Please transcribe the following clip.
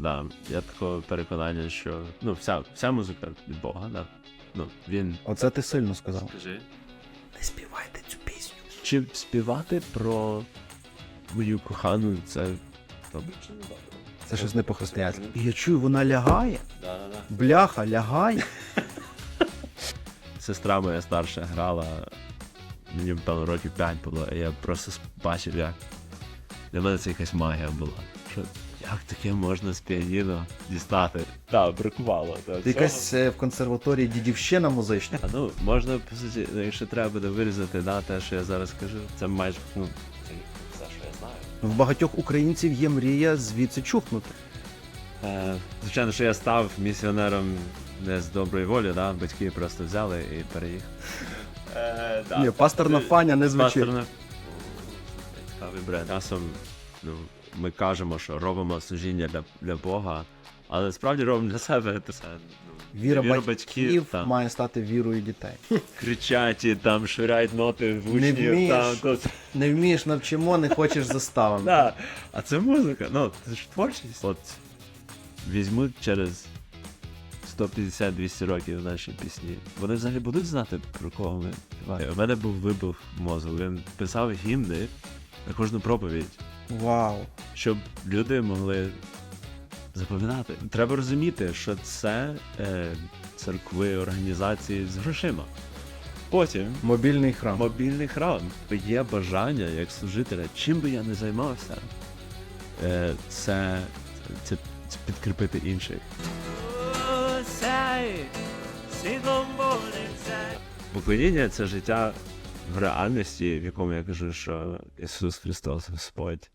Да. Я такого переконання, що вся музика від Бога, да. Він... Оце ти сильно сказав. Скажи. Не співайте цю пісню. Чи співати про мою кохану, це добре чи не добре? Це щось не по-християнськи. І я чую, вона лягає. Да. Бляха, лягає. Сестра моя старша грала, мені, певно, років 5 було, і я просто бачив, як для мене це якась магія була. Що, як таке можна з піаніно дістати? Так, бракувало. Ти якась в консерваторії дідівщина музична. Можна, по суті, якщо треба буде вирізати, те, що я зараз кажу, це майже, це все, що я знаю. В багатьох українців є мрія звідси чухнути. Звичайно, що я став місіонером не з доброї волі, батьки просто взяли і переїхали. Ні, пасторна Фаня не звучить. Цікавий бренд. Часом ми кажемо, що робимо служіння для Бога, але справді робимо для себе. Це, Віра батьків має стати вірою дітей. Кричать і там швиряють ноти в учнів. Не вмієш, навчимо, не хочеш заставимо. А це музика, це ж творчість. От візьмуть через 150-200 років наші пісні. Вони взагалі будуть знати, про кого ми співаємо. У мене був вибух мозку. Він писав гімни на кожну проповідь. Вау. Щоб люди могли запам'ятати. Треба розуміти, що це церкви, організації з грошима. Потім Мобільний храм. Є бажання, як служителя, чим би я не займався, це підкріпити інших. Поклоніння – це життя в реальності, в якому я кажу, що Ісус Христос Господь.